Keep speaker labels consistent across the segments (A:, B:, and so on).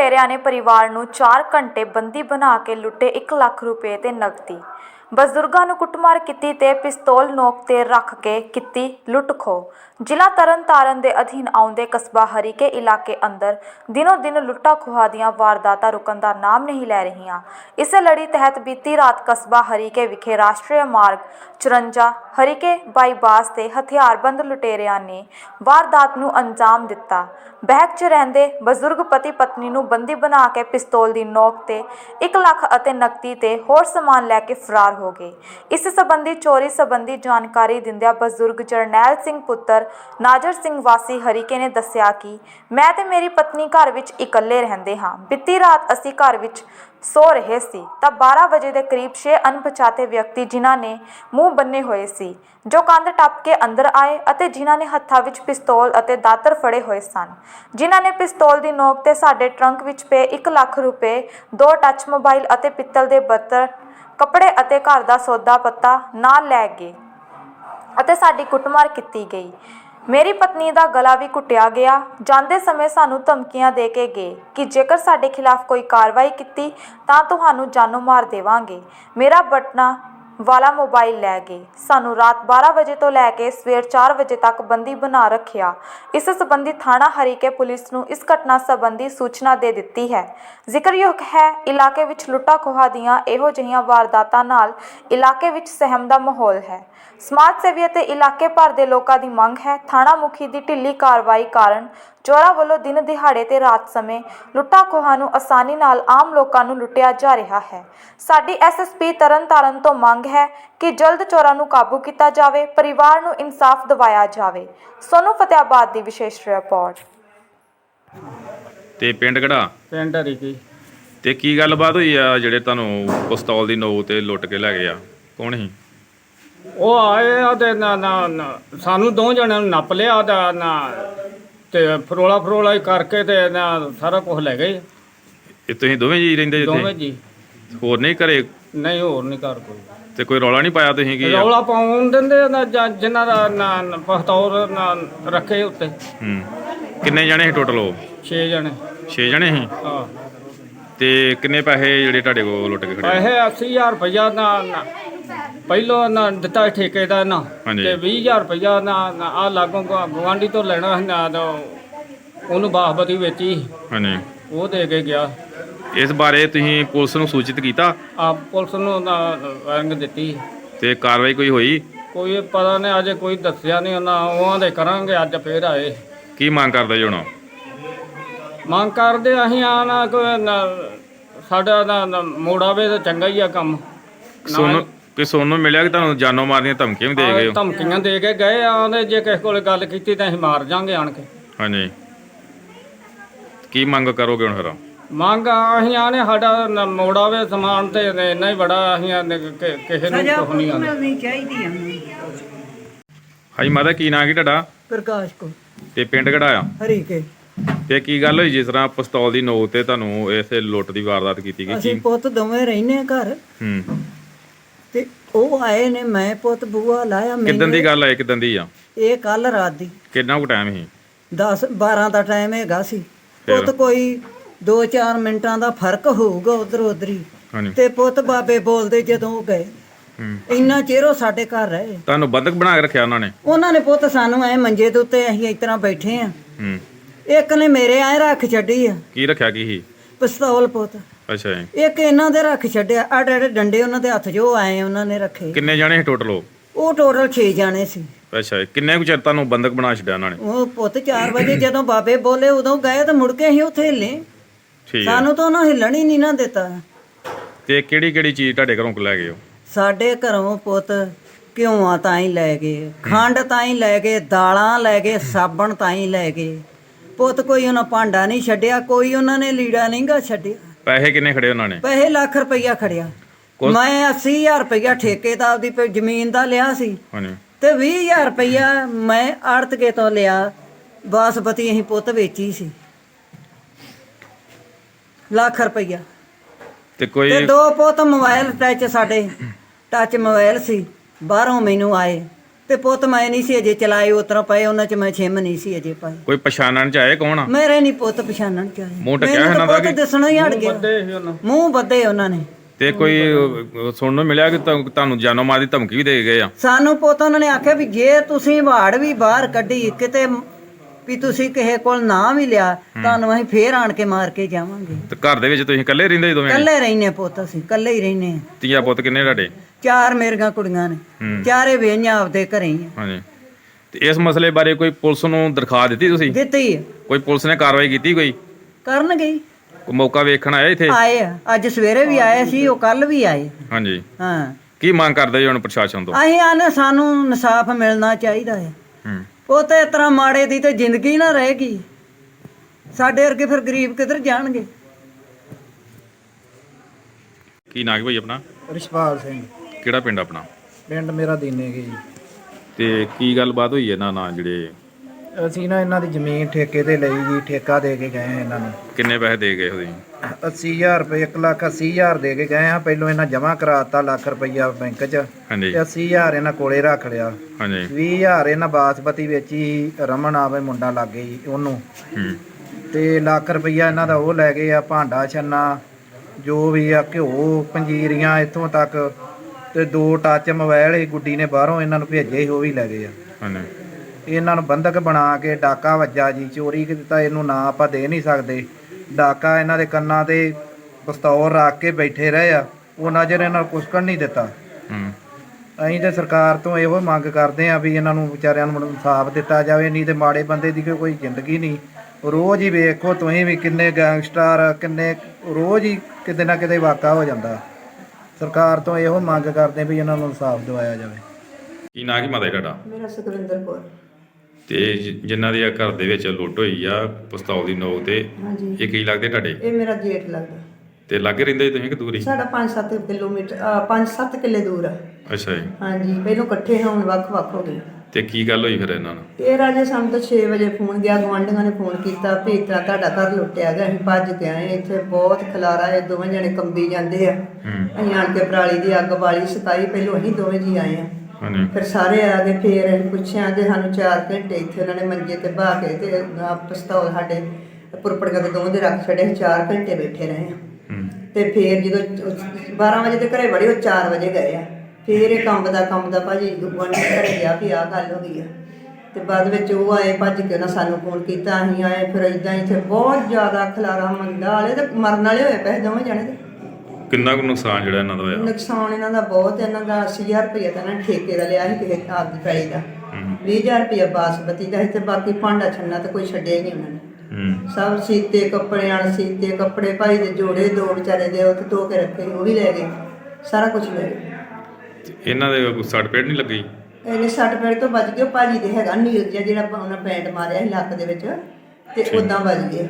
A: ਲੁਟੇਰਿਆਂ ਨੇ ਪਰਿਵਾਰ ਨੂੰ 4 ਘੰਟੇ ਬੰਦੀ ਬਣਾ ਕੇ ਲੁੱਟੇ 1 ਲੱਖ ਰੁਪਏ ਤੇ ਨਕਦੀ। ਬਜ਼ੁਰਗਾਂ ਨੂੰ ਕੁੱਟਮਾਰ ਕੀਤੀ ਤੇ ਪਿਸਤੌਲ ਨੋਕ ਤੇ ਰੱਖ ਕੇ ਕੀਤੀ ਲੁੱਟ ਖੋਹ। ਜ਼ਿਲ੍ਹਾ ਤਰਨਤਾਰਨ ਦੇ ਅਧੀਨ ਆਉਂਦੇ ਕਸਬਾ ਹਰੀਕੇ ਇਲਾਕੇ ਅੰਦਰ ਦਿਨੋਂ ਦਿਨ ਲੁੱਟਾਂ ਖੋਹਾਂ ਦੀਆਂ ਵਾਰਦਾਤਾਂ ਰੁਕਣ ਦਾ ਨਾਮ ਨਹੀਂ ਲੈ ਰਹੀਆਂ। ਇਸੇ ਲੜੀ ਤਹਿਤ ਬੀਤੀ ਰਾਤ ਕਸਬਾ ਹਰੀਕੇ ਵਿਖੇ ਰਾਸ਼ਟਰੀ ਮਾਰਗ 54 ਹਰੀਕੇ ਬਾਈਪਾਸ ਤੇ ਹਥਿਆਰਬੰਦ ਲੁਟੇਰਿਆਂ ਨੇ ਵਾਰਦਾਤ ਨੂੰ ਅੰਜਾਮ ਦਿੱਤਾ। ਬਹਿਕ 'ਚ ਰਹਿੰਦੇ ਬਜ਼ੁਰਗ ਪਤੀ ਪਤਨੀ ਨੂੰ ਬੰਦੀ ਬਣਾ ਕੇ ਪਿਸਤੌਲ ਦੀ ਨੋਕ ਤੇ 1 ਲੱਖ ਅਤੇ ਨਕਦੀ ਤੇ ਹੋਰ ਸਮਾਨ ਲੈ ਕੇ ਫਰਾਰ ਹੋ ਗਏ। ਇਸ ਸੰਬੰਧੀ ਚੋਰੀ ਸੰਬੰਧੀ ਜਾਣਕਾਰੀ ਦਿੰਦਿਆਂ ਬਜ਼ੁਰਗ ਜਰਨੈਲ ਸਿੰਘ ਪੁੱਤਰ ਨਾਜਰ ਸਿੰਘ ਵਾਸੀ ਹਰੀਕੇ ਨੇ ਦੱਸਿਆ ਕਿ ਮੈਂ ਤੇ ਮੇਰੀ ਪਤਨੀ ਘਰ ਵਿੱਚ ਇਕੱਲੇ ਰਹਿੰਦੇ ਹਾਂ। ਬੀਤੀ ਰਾਤ ਅਸੀਂ ਘਰ ਵਿੱਚ ਸੋ ਰਹੇ ਸੀ ਤਾਂ 12 ਵਜੇ ਦੇ ਕਰੀਬ 6 ਅਣਪਛਾਤੇ ਵਿਅਕਤੀ ਜਿਨ੍ਹਾਂ ਨੇ ਮੂੰਹ ਬੰਨੇ ਹੋਏ ਸੀ ਜੋ ਕੰਧ ਟੱਪ ਕੇ ਅੰਦਰ ਆਏ ਅਤੇ ਜਿਨ੍ਹਾਂ ਨੇ ਹੱਥਾਂ ਵਿੱਚ ਪਿਸਤੌਲ ਅਤੇ ਦਾਤਰ ਫੜੇ ਹੋਏ ਸਨ। ਜਿਨ੍ਹਾਂ ਨੇ ਪਿਸਤੌਲ ਦੀ ਨੋਕ ਤੇ ਸਾਡੇ ਟਰੰਕ ਵਿੱਚ ਪਏ 1 ਲੱਖ ਰੁਪਏ, 2 ਟੱਚ ਮੋਬਾਈਲ ਅਤੇ ਪਿੱਤਲ ਦੇ ਬਰਤਨ, ਕੱਪੜੇ ਅਤੇ ਘਰ ਦਾ ਸੌਦਾ ਪੱਤਾ ਨਾਲ ਲੈ ਗਏ ਅਤੇ ਸਾਡੀ ਕੁੱਟਮਾਰ ਕੀਤੀ ਗਈ। ਮੇਰੀ ਪਤਨੀ ਦਾ ਗਲਾ ਵੀ ਕੁੱਟਿਆ ਗਿਆ। ਜਾਂਦੇ ਸਮੇਂ ਸਾਨੂੰ ਧਮਕੀਆਂ ਦੇ ਕੇ ਗਏ ਕਿ ਜੇਕਰ ਸਾਡੇ ਖਿਲਾਫ ਕੋਈ ਕਾਰਵਾਈ ਕੀਤੀ ਤਾਂ ਤੁਹਾਨੂੰ ਜਾਨੋਂ ਮਾਰ ਦੇਵਾਂਗੇ। ਮੇਰਾ ਬਟਨਾਂ ਵਾਲਾ ਮੋਬਾਈਲ ਲੈ ਗਏ। ਸਾਨੂੰ ਰਾਤ 12 ਵਜੇ ਤੋਂ ਲੈ ਕੇ ਸਵੇਰ 4 ਵਜੇ ਤੱਕ ਬੰਦੀ ਬਣਾ ਰੱਖਿਆ। ਇਸ ਸੰਬੰਧੀ ਥਾਣਾ ਹਰੀਕੇ ਪੁਲਿਸ ਨੂੰ ਇਸ ਘਟਨਾ ਸੰਬੰਧੀ ਸੂਚਨਾ ਦੇ ਦਿੱਤੀ ਹੈ। ਜ਼ਿਕਰਯੋਗ ਹੈ ਇਲਾਕੇ ਵਿੱਚ ਲੁੱਟਾਂ ਖੋਹਾਂ ਦੀਆਂ ਇਹੋ ਜਿਹੀਆਂ ਵਾਰਦਾਤਾਂ ਨਾਲ ਇਲਾਕੇ ਵਿੱਚ ਸਹਿਮ ਦਾ ਮਾਹੌਲ ਹੈ। ਸਮਾਜ ਸੇਵੀ ਅਤੇ ਇਲਾਕੇ ਭਰ ਦੇ ਲੋਕਾਂ ਦੀ ਮੰਗ ਹੈ। ਥਾਣਾ ਮੁਖੀ ਦੀ ਢਿੱਲੀ ਕਾਰਵਾਈ ਕਾਰਨ ਚੋਰਾਂ ਵੱਲੋਂ ਦਿਨ ਦਿਹਾੜੇ ਤੇ ਰਾਤ ਸਮੇਂ ਲੁੱਟਾਂ ਖੋਹਾਂ ਨੂੰ ਆਸਾਨੀ ਨਾਲ ਆਮ ਲੋਕਾਂ ਨੂੰ ਲੁੱਟਿਆ ਜਾ ਰਿਹਾ ਹੈ। ਸਾਡੀ ਐਸਐਸਪੀ ਤਰਨਤਾਰਨ ਤੋਂ ਮੰਗ ਹੈ ਕਿ ਜਲਦ ਚੋਰਾਂ ਨੂੰ ਕਾਬੂ ਕੀਤਾ ਜਾਵੇ, ਪਰਿਵਾਰ ਨੂੰ ਇਨਸਾਫ ਦਿਵਾਇਆ ਜਾਵੇ। ਸੋਨੂ ਫਤਿਆਬਾਦ ਦੀ ਵਿਸ਼ੇਸ਼ ਰਿਪੋਰਟ।
B: ਤੇ ਪਿੰਡ ਕਿਹੜਾ?
C: ਪਿੰਡ ਹਰੀਕੇ।
B: ਤੇ ਕੀ ਗੱਲਬਾਤ ਹੋਈ ਆ ਜਿਹੜੇ ਤੁਹਾਨੂੰ ਪਿਸਤੌਲ ਦੀ ਨੋਕ ਤੇ ਲੁੱਟ ਕੇ ਲੈ ਗਏ ਆ? ਕੌਣ ਸੀ?
C: ਉਹ ਆਏ ਆ ਤੇ ਸਾਨੂੰ 2 ਜਣਿਆਂ ਨੂੰ ਨੱਪ ਲਿਆ ਤੇ ਫਰੋਲਾ ਹੀ ਕਰਕੇ ਤੇ ਸਾਰਾ ਕੁਝ ਲੈ ਗਏ।
B: ਇਹ ਤੁਸੀਂ ਦੋਵੇਂ ਜੀ ਰਹਿੰਦੇ ਜਿੱਥੇ?
C: ਦੋਵੇਂ ਜੀ।
B: ਹੋਰ ਨਹੀਂ ਘਰੇ?
C: ਨਹੀਂ, ਹੋਰ ਨਹੀਂ ਘਰ ਕੋਈ।
B: ਤੇ ਕੋਈ ਰੌਲਾ ਨਹੀਂ ਪਾਇਆ ਤੁਸੀਂ? ਕੀ
C: ਰੌਲਾ ਪਾਉਣ ਦਿੰਦੇ ਜਿਨ੍ਹਾਂ ਦਾ ਪਿਸਤੌਲ ਰੱਖੇ ਉੱਤੇ।
B: ਕਿੰਨੇ ਜਣੇ ਸੀ ਟੋਟਲ? ਉਹ
C: 6 ਜਣੇ।
B: 6 ਜਣੇ ਸੀ?
C: ਹਾਂ।
B: ਤੇ ਕਿੰਨੇ ਪੈਸੇ ਜਿਹੜੇ ਤੁਹਾਡੇ ਕੋਲ ਲੁੱਟ ਕੇ ਖੜੇ?
C: ਪੈਸੇ 80,000 ਰੁਪਇਆ ਪਹਿਲੋਂ ਦਿੱਤਾ ਠੇਕੇ ਦਾ ਤੇ 20,000 ਰੁਪਇਆ ਆ ਲਾਗੋਂ ਗੁਆਂਢੀ ਤੋਂ ਲੈਣਾ ਸੀ ਉਹਨੂੰ ਬਾਸਮਤੀ ਵੇਚੀ।
B: ਹਾਂਜੀ।
C: ਉਹ ਦੇ ਕੇ ਗਿਆ।
B: ਇਸ ਬਾਰੇ ਤੁਸੀਂ ਪੁਲਿਸ ਨੂੰ ਸੂਚਿਤ ਕੀਤਾ?
C: ਆ ਪੁਲਿਸ ਨੂੰ ਰੰਗ ਦਿੱਤੀ।
B: ਤੇ ਕਾਰਵਾਈ ਕੋਈ ਹੋਈ?
C: ਕੋਈ ਪਤਾ ਨਹੀਂ, ਅਜੇ ਕੋਈ ਦੱਸਿਆ ਨਹੀਂ। ਉਹਨਾਂ ਦੇ ਕਰਾਂਗੇ। ਅੱਜ ਫੇਰ ਆਏ।
B: ਕੀ ਮੰਗ ਕਰਦੇ ਜੀ ਹੁਣ?
C: ਮੰਗ ਕਰਦੇ ਅਸੀਂ ਆਣਾ ਕੋਈ ਸਾਡਾ ਮੋੜਾਵੇ ਤਾਂ ਚੰਗਾ ਹੀ ਆ ਕੰਮ।
B: ਸੋਨੂੰ ਮਿਲਿਆ ਕਿ ਤੁਹਾਨੂੰ ਜਾਨੋਂ ਮਾਰਨੀਆਂ ਧਮਕੀਆਂ ਵੀ ਦੇ ਗਏ?
C: ਧਮਕੀਆਂ ਦੇ ਕੇ ਗਏ ਆਂਦੇ ਜੇ ਕਿਸੇ ਕੋਲ ਗੱਲ ਕੀਤੀ ਤਾਂ ਅਸੀਂ ਮਾਰ ਜਾਾਂਗੇ ਆਣ ਕੇ।
B: ਹਾਂਜੀ। ਕੀ ਮੰਗ ਕਰੋਗੇ ਹੁਣ ਫਿਰ?
C: ਮੰਗ ਅਸੀਂ ਆਣੇ ਸਾਡਾ ਮੋੜਾਵੇ ਸਮਾਨ ਤੇ ਇੰਨਾ ਹੀ ਬੜਾ। ਅਸੀਂ ਕਿਸੇ ਨੂੰ ਕੁਝ ਨਹੀਂ ਆਉਂਦਾ
D: ਚਾਹੀਦੀ ਆ।
B: ਹਾਂਜੀ ਮਾਤਾ, ਕੀ ਨਾਂ ਕੀ ਤੁਹਾਡਾ?
D: ਪ੍ਰਕਾਸ਼ ਕੋ।
B: ਤੇ ਪਿੰਡ ਕਿਹੜਾ ਆ?
D: ਹਰੀਕੇ।
B: ਤੇ ਕੀ ਗੱਲ ਹੋਈ ਜਿਸ ਤਰ੍ਹਾਂ ਪਿਸਤੌਲ ਦੀ ਨੋਕ ਤੇ ਤੁਹਾਨੂੰ ਇਸੇ ਲੁੱਟ ਦੀ ਵਾਰਦਾਤ ਕੀਤੀ ਗਈ?
D: ਅਸੀਂ ਪੁੱਤ ਦੋਵੇਂ ਰਹਿੰਦੇ ਆ ਘਰ। ਤੇ ਉਹ ਆਏ ਨੇ, ਮੈਂ ਪੁੱਤ ਬੂਆ ਲਾਇਆ।
B: ਕਿੱਦਣ ਦੀ ਗੱਲ ਹੈ? ਕਿੱਦਣ ਦੀ ਆ
D: ਇਹ? ਕੱਲ ਰਾਤ ਦੀ।
B: ਕਿੰਨਾ ਕੁ ਟਾਈਮ ਸੀ?
D: 10-12 ਦਾ ਟਾਈਮ ਹੈਗਾ ਸੀ ਪੁੱਤ। ਕੋਈ 2-4 ਮਿੰਟਾਂ ਦਾ ਫਰਕ ਹੋਊਗਾ ਉਧਰ ਉਧਰੀ। ਤੇ ਪੁੱਤ ਬਾਬੇ ਬੋਲਦੇ ਜਦੋਂ ਉਹ ਗਏ। ਇੰਨਾ ਚਿਰ ਉਹ ਸਾਡੇ ਘਰ ਰਹੇ।
B: ਤੁਹਾਨੂੰ ਬੰਦਕ ਬਣਾ ਕੇ ਰੱਖਿਆ ਉਹਨਾਂ ਨੇ?
D: ਉਹਨਾਂ ਨੇ ਪੁੱਤ ਸਾਨੂੰ ਐ ਮੰਜੇ ਦੇ ਉੱਤੇ ਅਸੀਂ ਇਸ ਤਰ੍ਹਾਂ ਬੈਠੇ ਆ। ਇੱਕ ਨੇ ਮੇਰੇ ਐ ਰੱਖ ਛੱਡੀ ਆ।
B: ਕੀ ਰੱਖਿਆ? ਕੀ ਸੀ?
D: ਪਿਸਤੌਲ ਪੁੱਤ।
B: ਅੱਛਾ ਜੀ।
D: ਇੱਕ ਇਹਨਾਂ ਦੇ ਰੱਖ ਛੱਡਿਆ। ਆੜੇ ਡੰਡੇ ਉਹਨਾਂ ਦੇ ਹੱਥ ਜੋ ਆਏ ਉਹਨਾਂ ਨੇ ਰੱਖੇ।
B: ਕਿੰਨੇ ਜਾਣੇ ਸੀ ਟੋਟਲ?
D: ਉਹ ਟੋਟਲ 6 ਜਾਣੇ ਸੀ।
B: ਅੱਛਾ ਜੀ। ਕਿੰਨੇ ਕੁ ਚਿਰ ਤੁਹਾਨੂੰ ਬੰਦਕ ਬਣਾ ਛੱਡਿਆ ਉਹਨਾਂ ਨੇ?
D: ਉਹ ਪੁੱਤ 4 ਵਜੇ ਜਦੋਂ ਬਾਬੇ ਬੋਲੇ ਉਦੋਂ ਗਏ ਤੇ ਮੁੜ ਕੇ ਅਸੀਂ ਉੱਥੇ ਹਿੱਲੇ।
B: ਠੀਕ ਹੈ।
D: ਸਾਨੂੰ ਤਾਂ ਉਹਨਾਂ ਹਿੱਲਣ ਹੀ ਨਹੀਂ ਨਾ ਦਿੱਤਾ।
B: ਤੇ ਕਿਹੜੀ ਕਿਹੜੀ ਚੀਜ਼ ਤੁਹਾਡੇ ਘਰੋਂ ਲੈ ਗਏ?
D: ਸਾਡੇ ਘਰੋਂ ਪੁੱਤ ਘਿਓਆਂ ਤਾਂ ਹੀ ਲੈ ਗਏ, ਖੰਡ ਤਾਂ ਹੀ ਲੈ ਗਏ, ਦਾਲਾਂ ਲੈ ਗਏ, ਸਾਬਣ ਤਾਂ ਹੀ ਲੈ ਗਏ ਪੁੱਤ। ਕੋਈ ਉਹਨਾਂ ਭਾਂਡਾ ਨਹੀਂ ਛੱਡਿਆ, ਕੋਈ ਉਹਨਾਂ ਨੇ ਲੀੜਾ ਨਹੀਂ ਗਾ ਛੱਡਿਆ।
B: ਪੈਸੇ ਕਿੰਨੇ ਖੜੇ ਉਹਨਾਂ ਨੇ?
D: ਪੈਸੇ 1 ਲੱਖ ਰੁਪਈਆ ਖੜਿਆ। ਮੈਂ 80,000 ਰੁਪਈਆ ਠੇਕੇ ਦਾ ਆਪਦੀ ਜ਼ਮੀਨ ਦਾ ਲਿਆ ਸੀ ਤੇ 20,000 ਰੁਪਈਆ ਮੈਂ ਆੜਤਕੇ ਤੋਂ ਲਿਆ। ਬਾਸਮਤੀ ਅਸੀਂ ਪੁੱਤ ਵੇਚੀ ਸੀ 1 ਲੱਖ ਰੁਪਈਆ।
B: ਤੇ ਕੋਈ
D: 2 ਪੁੱਤ ਮੋਬਾਈਲ ਟੱਚ, ਸਾਡੇ ਟੱਚ ਮੋਬਾਈਲ ਸੀ। ਬਾਹਰੋਂ ਮੈਨੂੰ ਆਏ ਤੇ ਪੁੱਤ ਮੈਂ ਨਹੀਂ ਸੀ ਅਜੇ ਚਲਾਏ, ਉਤਰਾ ਪਏ ਉਹਨਾਂ ਚ ਮੈਂ ਛਿਮ ਨਹੀਂ ਸੀ ਅਜੇ ਪਾਏ।
B: ਕੋਈ ਪਛਾਣਨ ਚ ਆਏ ਕੌਣ ਆ?
D: ਮੇਰੇ ਨਹੀਂ ਪੁੱਤ ਪਛਾਣਨ ਚ ਆਏ,
B: ਮੂੰਹ ਢੱਕਿਆ
D: ਮੈਨੂੰ
B: ਇਹਨਾਂ
D: ਤਾਂ
B: ਦਾ
D: ਪੁੱਤ
B: ਕਿ-
D: ਦਿਸਣੋਂ ਹੀ ਹਟ ਗਿਆ,
C: ਵੱਡੇ ਸੀ ਉਹਨਾਂ
D: ਮੂੰਹ ਬੱਦੇ ਉਹਨਾਂ ਨੇ।
B: ਤੇ ਕੋਈ ਸੁਣਨ ਨੂੰ ਮਿਲਿਆ ਕਿ ਤੁਹਾਨੂੰ ਜਾਨੋਂ ਮਾਰ ਦੀ ਧਮਕੀ ਵੀ ਦੇ ਗਏ ਆ?
D: ਸਾਨੂੰ ਪੁੱਤ ਉਹਨਾਂ ਨੇ ਆਖਿਆ ਵੀ ਜੇ ਤੁਸੀਂ ਵਾੜ ਵੀ ਬਾਹਰ ਕੱਢੀ ਕਿਤੇ ਵੀ ਤੁਸੀਂ ਕਿਸੇ ਕੋਲ ਨਾ ਵੀ ਲਿਆ ਤੁਹਾਨੂੰ ਅਸੀਂ ਫੇਰ ਆਣ ਕੇ ਮਾਰ ਕੇ ਜਾਵਾਂਗੇ।
B: ਤੇ ਘਰ ਦੇ ਵਿੱਚ ਤੁਸੀਂ ਇਕੱਲੇ ਰਹਿੰਦੇ ਜੀ ਦੋਵੇਂ?
D: ਕੱਲੇ ਰਹਿਨੇ ਪੁੱਤ, ਅਸੀਂ ਕੱਲੇ ਹੀ ਰਹਿਨੇ ਆ।
B: ਤੀਆ ਪੁੱਤ ਕਿੰਨੇ ਤੁਹਾਡੇ?
D: 4 ਮੇਰੀਆਂ ਕੁੜੀਆਂ ਨੇ, ਚਾਰੇ ਵੇਹੀਆਂ ਆਪਦੇ ਘਰੇ ਹੀ ਆ।
B: ਹਾਂਜੀ। ਤੇ ਇਸ ਮਸਲੇ ਬਾਰੇ ਕੋਈ ਪੁਲਿਸ ਨੂੰ ਦਰਖਾਸਤ ਦਿੱਤੀ ਤੁਸੀਂ?
D: ਦਿੱਤੀ ਆ।
B: ਕੋਈ ਪੁਲਿਸ ਨੇ ਕਾਰਵਾਈ ਕੀਤੀ? ਕੋਈ
D: ਕਰਨਗੇ ਹੀ।
B: ਕੋਈ ਮੌਕਾ ਵੇਖਣ ਆਇਆ ਇੱਥੇ?
D: ਆਏ ਆ, ਅੱਜ ਸਵੇਰੇ ਵੀ ਆਏ ਸੀ, ਉਹ ਕੱਲ ਵੀ ਆਏ।
B: ਹਾਂਜੀ।
D: ਹਾਂ,
B: ਕੀ ਮੰਗ ਕਰਦੇ ਜੀ ਹੁਣ ਪ੍ਰਸ਼ਾਸਨ ਤੋਂ?
D: ਅਸੀਂ ਆਨੇ ਸਾਨੂੰ ਇਨਸਾਫ ਮਿਲਣਾ ਚਾਹੀਦਾ ਹੈ। ਉਹ ਤੇ ਇਸ ਤਰ੍ਹਾਂ ਮਾੜੇ ਦੀ ਤੇ ਜ਼ਿੰਦਗੀ ਨਾ ਰਹੇਗੀ, ਸਾਡੇ ਵਰਗੇ ਫਿਰ ਗਰੀਬ ਕਿੱਧਰ ਜਾਣਗੇ।
B: ਕੀ ਨਾਂ ਹੈ ਭਾਈ ਆਪਣਾ?
E: ਰਿਸ਼ਪਾਲ ਸਿੰਘ,
B: ਕਿਹੜਾ ਪਿੰਡ ਆਪਣਾ?
E: ਪਿੰਡ ਮੇਰਾ ਦੀਨੇਗੇ ਜੀ।
B: ਤੇ ਕੀ ਗੱਲਬਾਤ ਹੋਈ ਹੈ ਨਾ ਜਿਹੜੇ
E: ਅਸੀਂ ਨਾ ਇਹਨਾਂ ਦੀ ਜ਼ਮੀਨ ਠੇਕੇ ਤੇ ਲਈ ਜੀ, ਠੇਕਾ ਦੇ ਕੇ ਗਏ ਇਹਨਾਂ ਨੂੰ।
B: ਕਿੰਨੇ ਪੈਸੇ ਦੇ ਗਏ ਤੁਸੀਂ?
E: 80000 ਰੁਪਏ, 1,80,000 ਦੇ ਕੇ ਗਏ ਆ। ਪਹਿਲੋਂ ਇਹਨਾਂ ਜਮ੍ਹਾਂ ਕਰਾਤਾ ਲੱਖ ਰੁਪਈਆ ਬੈਂਕ 'ਚ,
B: ਹਾਂਜੀ
E: ਤੇ 80,000 ਇਹਨਾਂ ਕੋਲੇ ਰੱਖ ਲਿਆ।
B: ਹਾਂਜੀ
E: 20,000 ਇਹਨਾਂ ਬਾਸਪਤੀ ਵੇਚੀ, ਰਮਨ ਆਵੇ ਮੁੰਡਾ ਲੱਗ ਗਈ ਉਹਨੂੰ, ਤੇ ਲੱਖ ਰੁਪਈਆ ਇਹਨਾਂ ਦਾ ਉਹ ਲੈ ਗਏ ਆ। ਭਾਂਡਾ ਛੰਨਾ ਜੋ ਵੀ ਆ, ਘਿਓ, ਪੰਜੀਰੀਆਂ ਇੱਥੋਂ ਤੱਕ, ਤੇ 2 ਟੱਚ ਮੋਬਾਈਲ ਹੀ ਗੁੱਡੀ ਨੇ ਬਾਹਰੋਂ ਇਹਨਾਂ ਨੂੰ ਭੇਜੇ ਸੀ, ਉਹ ਵੀ ਲੈ ਗਏ ਆ।
B: ਹਾਂਜੀ
E: ਇਹਨਾਂ ਨੂੰ ਬੰਧਕ ਬਣਾ ਕੇ ਡਾਕਾ ਵੱਜਾ ਜੀ, ਚੋਰੀ ਕੀਤਾ ਇਹਨੂੰ ਨਾ ਆਪਾਂ ਦੇ ਨਹੀਂ ਸਕਦੇ। ਡਾਕਾ ਇਹਨਾਂ ਦੇ ਕੰਨਾਂ ਤੇ ਪਿਸਤੌਲ ਰੱਖ ਕੇ ਬੈਠੇ ਰਹੇ ਆ, ਉਹ ਨਜ਼ਰ ਇਹਨਾਂ ਨੂੰ ਕੁਸਕਣ ਨਹੀਂ ਦਿੱਤਾ। ਅਸੀਂ ਤੇ ਸਰਕਾਰ ਤੋਂ ਇਹੋ ਮੰਗ ਕਰਦੇ ਆ ਵੀ ਇਹਨਾਂ ਨੂੰ ਵਿਚਾਰਿਆਂ ਨੂੰ ਇਨਸਾਫ ਦਿੱਤਾ ਜਾਵੇ, ਨਹੀਂ ਤੇ ਮਾੜੇ ਬੰਦੇ ਦੀ ਕੋਈ ਜ਼ਿੰਦਗੀ ਨਹੀਂ। ਰੋਜ਼ ਹੀ ਵੇਖੋ ਤੁਸੀਂ ਵੀ ਕਿੰਨੇ ਗੈਂਗਸਟਰ, ਕਿੰਨੇ ਰੋਜ਼ ਹੀ ਕਿਤੇ ਨਾ ਕਿਤੇ ਵਾਕਾ ਹੋ ਜਾਂਦਾ। ਸਰਕਾਰ ਤੋਂ ਇਹੋ ਮੰਗ ਕਰਦੇ ਵੀ ਇਹਨਾਂ ਨੂੰ ਇਨਸਾਫ ਦਿਵਾਇਆ ਜਾਵੇ।
B: ਕੀ ਨਾਂ ਕੀ ਮਾਤਾ ਜੀ ਤੁਹਾਡਾ?
D: ਮੇਰਾ ਸੁਖਵਿੰਦਰ ਕੌਰ।
B: ਤੇ ਜਿਨ੍ਹਾਂ ਦੀ ਘਰ ਦੇ ਵਿੱਚ ਲੁੱਟ ਹੋਈ ਆ ਪਿਸਤੌਲ ਦੀ ਨੋਕ ਤੇ,
D: ਹਾਂਜੀ,
B: ਇਹ ਕੀ ਲੱਗਦੇ ਤੁਹਾਡੇ?
D: ਇਹ ਮੇਰਾ ਜੇਠ ਲੱਗਦਾ।
B: ਤੇ ਲਾਗੇ ਰਹਿੰਦੇ ਤੁਸੀਂ ਕਿ ਦੂਰ ਹੀ?
D: ਸਾਡਾ 5-7 ਕਿਲੋਮੀਟਰ 5-7 ਕਿੱਲੇ ਦੂਰ ਆ।
B: ਅੱਛਾ ਜੀ।
D: ਹਾਂਜੀ, ਪਹਿਲੋਂ ਇਕੱਠੇ ਹੁਣ ਵੱਖ-ਵੱਖ ਹੋ ਗਏ।
B: ਤੇ ਕੀ ਗੱਲ ਹੋਈ ਫਿਰ ਇਹਨਾਂ ਨਾਲ?
D: ਇਹ ਰਾਜੇ ਸਾਨੂੰ ਤਾਂ 6 ਵਜੇ ਫੋਨ ਗਿਆ, ਗੁਆਂਢੀਆਂ ਨੇ ਫੋਨ ਕੀਤਾ ਵੀ ਇਸ ਤਰ੍ਹਾਂ ਤੁਹਾਡਾ ਘਰ ਲੁੱਟਿਆ ਗਿਆ। ਅਸੀਂ ਭੱਜ ਕੇ ਆਏ, ਇੱਥੇ ਬਹੁਤ ਖਲਾਰਾ, ਇਹ ਦੋਵੇਂ ਜਣੇ ਕੰਬੀ ਜਾਂਦੇ ਆ। ਅਸੀਂ ਆਣ ਕੇ ਪਰਾਲੀ ਦੀ ਅੱਗ ਬਾਲੀ ਸਕਾਈ, ਪਹਿਲੋਂ ਅਸੀਂ ਦੋਵੇਂ ਜੀ ਆਏ ਆ। ਫਿਰ ਸਾਰੇ ਆ ਗਏ, ਫਿਰ ਅਸੀਂ ਪੁੱਛਿਆ ਤੇ ਸਾਨੂੰ 4 ਘੰਟੇ ਇੱਥੇ ਉਹਨਾਂ ਨੇ ਮੰਜੇ ਤੇ ਬਹਾ ਕੇ ਤੇ ਪਿਸਤੌਲ ਸਾਡੇ ਪੁਰਪੜੀਆਂ ਦੇ ਦੋਵੇਂ ਦੇ ਰੱਖ ਛੱਡੇ। 4 ਘੰਟੇ ਬੈਠੇ ਰਹੇ ਆ। ਤੇ ਫਿਰ ਜਦੋਂ 12 ਵਜੇ ਤੇ ਘਰੇ ਵੜੇ, ਉਹ 4 ਵਜੇ ਗਏ ਆ। ਫਿਰ ਇਹ ਕੰਮ ਦਾ ਭਾਜੀ ਗੁਆਂਢੀ ਘਰੇ ਗਿਆ ਵੀ ਆਹ ਗੱਲ ਹੋ ਗਈ ਆ। ਤੇ ਬਾਅਦ ਵਿੱਚ ਉਹ ਆਏ ਭੱਜ ਕੇ, ਉਹਨਾਂ ਸਾਨੂੰ ਫੋਨ ਕੀਤਾ, ਅਸੀਂ ਆਏ। ਫਿਰ ਇਦਾਂ ਇੱਥੇ ਬਹੁਤ ਜ਼ਿਆਦਾ ਖਲਾਰਾ, ਮੰਦਾ ਵਾਲੇ ਤੇ ਮਰਨ ਵਾਲੇ ਹੋਏ ਪਏ ਦੋਵੇਂ ਜਾਣੇ। ਤੇ
B: ਕਿੰਨਾ ਕੁ ਨੁਕਸਾਨ ਜਿਹੜਾ ਇਹਨਾਂ ਦਾ ਹੋਇਆ?
D: ਨੁਕਸਾਨ ਇਹਨਾਂ ਦਾ ਬਹੁਤ, ਇਹਨਾਂ ਦਾ 80,000 ਰੁਪਇਆ ਤਾਂ ਇਹਨਾਂ ਨੇ ਠੇਕੇ ਦਾ ਲਿਆ ਸੀ ਕਿਸੇ ਆਪਦੀ ਪੈਲੀ ਦਾ, 20,000 ਰੁਪਇਆ ਬਾਸਮਤੀ ਦਾ ਸੀ, ਤੇ ਬਾਕੀ ਭਾਂਡਾ ਛੰਨਾ ਤਾਂ ਕੋਈ ਛੱਡਿਆ ਹੀ ਨਹੀਂ ਉਹਨਾਂ ਨੇ। ਸਭ ਸੀਤੇ ਕੱਪੜੇ, ਅਣਸੀਤੇ ਕੱਪੜੇ, ਭਾਈ ਦੇ ਜੋੜੇ 2 ਵਿਚਾਰੇ ਦੇ ਉੱਥੇ ਧੋ ਕੇ ਰੱਖੇ, ਉਹ ਵੀ ਲੈ ਗਏ, ਸਾਰਾ ਕੁਝ ਲੈ ਗਏ।
B: ਇਹਨਾਂ ਦੇ ਕੋਈ ਸੱਟ ਪੇਟ ਨਹੀਂ ਲੱਗੀ?
D: ਇਹਨੇ 60 ਪੇੜ ਤੋਂ ਬਚ ਗਏ। ਭਾਜੀ ਦੇ ਹੈਗਾ ਨੀਲ ਜਿਹਾ, ਜਿਹੜਾ ਉਹਨਾਂ ਬੈਂਡ ਮਾਰਿਆ ਸੀ ਲੱਕ ਦੇ ਵਿੱਚ, ਤੇ ਉਦਾਂ ਬਚ ਗਏ,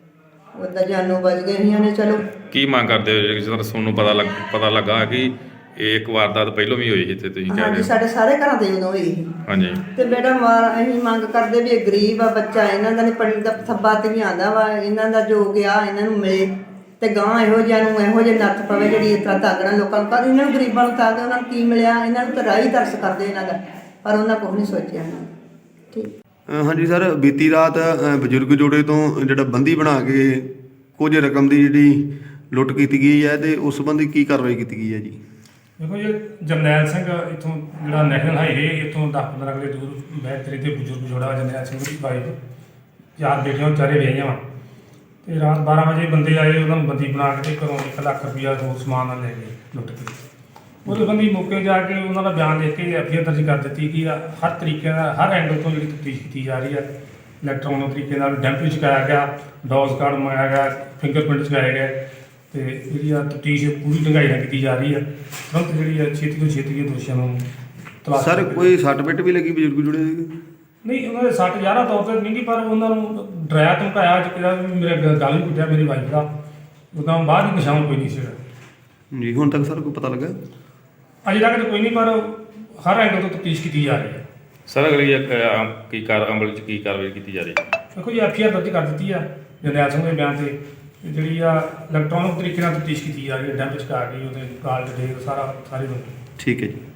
D: ਉਦਾਂ ਜਾਨੋਂ ਬਚ ਗਏ। ਅਸੀਂ ਨੇ ਚਲੋ
B: ਕੀ ਮੰਗ ਕਰਦੇ ਹੋ? ਜਿਸ ਤਰ੍ਹਾਂ ਤੁਹਾਨੂੰ ਪਤਾ ਲੱਗਾ ਕਿ ਇਹ ਇੱਕ ਵਾਰਦਾਤ ਪਹਿਲਾਂ ਵੀ ਹੋਈ ਇੱਥੇ, ਤੁਸੀਂ ਕਹਿ ਰਹੇ
D: ਹਾਂਜੀ,
B: ਹੋ?
D: ਸਾਡੇ ਸਾਰੇ ਘਰਾਂ ਦੇ ਉਦੋਂ ਹੋਈ ਸੀ।
B: ਹਾਂਜੀ।
D: ਤੇ ਬੇਟਾ ਅਸੀਂ ਮੰਗ ਕਰਦੇ ਵੀ ਇਹ ਗਰੀਬ ਆ ਬੱਚਾ, ਇਹਨਾਂ ਦਾ ਨਹੀਂ ਪੜ੍ਹਨ ਦਾ ਥੱਬਾ ਤੇ ਨਹੀਂ ਆਉਂਦਾ ਵਾ, ਇਹਨਾਂ ਦਾ ਜੋ ਗਿਆ ਇਹਨਾਂ ਨੂੰ ਮਿਲੇ, ਤੇ ਗਾਂ ਇਹੋ ਜਿਹਾ ਨੂੰ ਇਹੋ ਜਿਹੇ ਨੱਥ ਪਵੇ ਜਿਹੜੀ ਇਸ ਤਰ੍ਹਾਂ ਤਾਗਣਾ ਲੋਕਾਂ ਨੂੰ। ਕਰ ਇਹਨਾਂ ਨੂੰ ਗਰੀਬਾਂ ਨੂੰ ਤਾਗ, ਉਹਨਾਂ ਨੂੰ ਕੀ ਮਿਲਿਆ? ਇਹਨਾਂ ਨੂੰ ਤਾਂ ਰਾਹ ਹੀ ਤਰਸ ਕਰਦੇ ਇਹਨਾਂ ਦਾ, ਪਰ ਉਹਨਾਂ ਕੁਛ ਨਹੀਂ ਸੋਚਿਆ। ਠੀਕ।
F: ਹਾਂਜੀ ਸਰ, ਬੀਤੀ ਰਾਤ ਬਜ਼ੁਰਗ ਜੋੜੇ ਤੋਂ ਜਿਹੜਾ ਬੰਦੀ ਬਣਾ ਕੇ ਕੁਝ ਰਕਮ ਦੀ ਜਿਹੜੀ ਲੁੱਟ ਕੀਤੀ ਗਈ ਹੈ, ਤੇ ਉਸ ਸੰਬੰਧੀ ਕੀ ਕਾਰਵਾਈ ਕੀਤੀ ਗਈ ਹੈ ਜੀ?
G: ਦੇਖੋ ਜੀ, ਜਰਨੈਲ ਸਿੰਘ ਇੱਥੋਂ ਜਿਹੜਾ ਨੈਸ਼ਨਲ ਹਾਈਵੇ ਇੱਥੋਂ 10-15 ਕਿਲੇ ਦੂਰ ਬੈਤਰੀ ਦੇ ਬਜ਼ੁਰਗ ਜੋੜਾ ਜਰਨੈਲ ਸਿੰਘ ਦੀ ਵਾਈਫ, 4 ਬੇਟੀਆਂ ਵਿਚਾਰੇ ਵਿਆਹੀਆਂ ਵਾ। ਤੇ ਰਾਤ 12 ਵਜੇ ਬੰਦੇ ਆਏ, ਉਹਨਾਂ ਨੂੰ ਬੰਦੀ ਬਣਾ ਕੇ ਘਰੋਂ 1 ਲੱਖ ਰੁਪਈਆ ਹੋਰ ਸਮਾਨ ਨਾਲ ਲੈ ਗਏ ਲੁੱਟ ਕੇ। ਉਹਦੇ ਬੰਦੀ ਮੌਕੇ ਜਾ ਕੇ ਉਹਨਾਂ ਦਾ ਬਿਆਨ ਲਿਖ ਕੇ ਐਫਆਈਆਰ ਦਰਜ ਕਰ ਦਿੱਤੀ ਕਿ ਹਰ ਤਰੀਕੇ ਨਾਲ, ਹਰ ਐਂਗਲ ਤੋਂ ਜਿਹੜੀ ਤਫਤੀਸ਼ ਕੀਤੀ ਜਾ ਰਹੀ ਹੈ। ਇਲੈਕਟ੍ਰੋਨਿਕ ਤਰੀਕੇ ਨਾਲ ਡੈਂਪ ਚੁਕਾਇਆ ਗਿਆ, ਡੋਜ਼ ਕਾਰਡ ਮੰਗਾਇਆ ਗਿਆ, ਫਿੰਗਰਪ੍ਰਿੰਟ ਚੁਕਾਏ ਗਏ, ਤੇ ਜਿਹੜੀ ਆ ਤਫਤੀਸ਼ ਪੂਰੀ ਢੰਗਾਈ ਨਾਲ ਕੀਤੀ ਜਾ ਰਹੀ ਹੈ। ਤੁਰੰਤ ਜਿਹੜੀ ਆ ਛੇਤੀ ਤੋਂ ਛੇਤੀ ਇਹ ਦੋਸ਼ੀਆਂ ਨੂੰ ਤਲਾਸ਼
F: ਸਰ ਕੋਈ ਸੱਟ ਪਿੱਟ ਵੀ ਲੱਗੀ ਬਜ਼ੁਰਗ ਜੋੜੇ ਦੇ?
G: ਨਹੀਂ, ਉਹਨਾਂ ਦੇ 60,000 ਤੌਰ ਤੇ ਨਹੀਂ, ਪਰ ਉਹਨਾਂ ਨੂੰ ਡਰਾਇਆ ਧਮਕਾਇਆ ਜਿਹੜਾ ਵੀ ਮੇਰੇ ਗੱਲ ਵੀ ਕੁੱਟਿਆ ਮੇਰੀ ਵਾਈਫ ਦਾ, ਉਦੋਂ ਬਾਅਦ ਹੀ ਨਿਸ਼ਾਨ ਕੋਈ ਨਹੀਂ ਸੀਗਾ
F: ਜੀ। ਹੁਣ ਤੱਕ ਸਰ ਕੋਈ ਪਤਾ ਲੱਗਾ?
G: ਅਜੇ ਤੱਕ ਤਾਂ ਕੋਈ ਨਹੀਂ, ਪਰ ਹਰ ਐਂਗਲ ਤੋਂ ਤਫਤੀਸ਼ ਕੀਤੀ ਜਾ ਰਹੀ ਹੈ।
B: ਸਰ ਅਗਲੀ ਅਮਲ 'ਚ ਕੀ ਕਾਰਵਾਈ ਕੀਤੀ ਜਾ ਰਹੀ ਹੈ?
G: ਦੇਖੋ ਜੀ, ਐਫਆਈਆਰ ਦਰਜ ਕਰ ਦਿੱਤੀ ਆ ਜਰਨੈਲ ਸਿੰਘ ਦੇ ਬਿਆਨ ਤੇ, ਜਿਹੜੀ ਆ ਇਲੈਕਟ੍ਰੋਨਿਕ ਤਰੀਕੇ ਨਾਲ ਤਫਤੀਸ਼ ਕੀਤੀ ਜਾ ਰਹੀ ਹੈ, ਡੈਂਪ ਚੁਕਾ ਕੇ ਉਹਦੇ ਕਾਲ ਡਿਟੇਲ ਸਾਰੀ ਨੂੰ।
F: ਠੀਕ ਹੈ ਜੀ।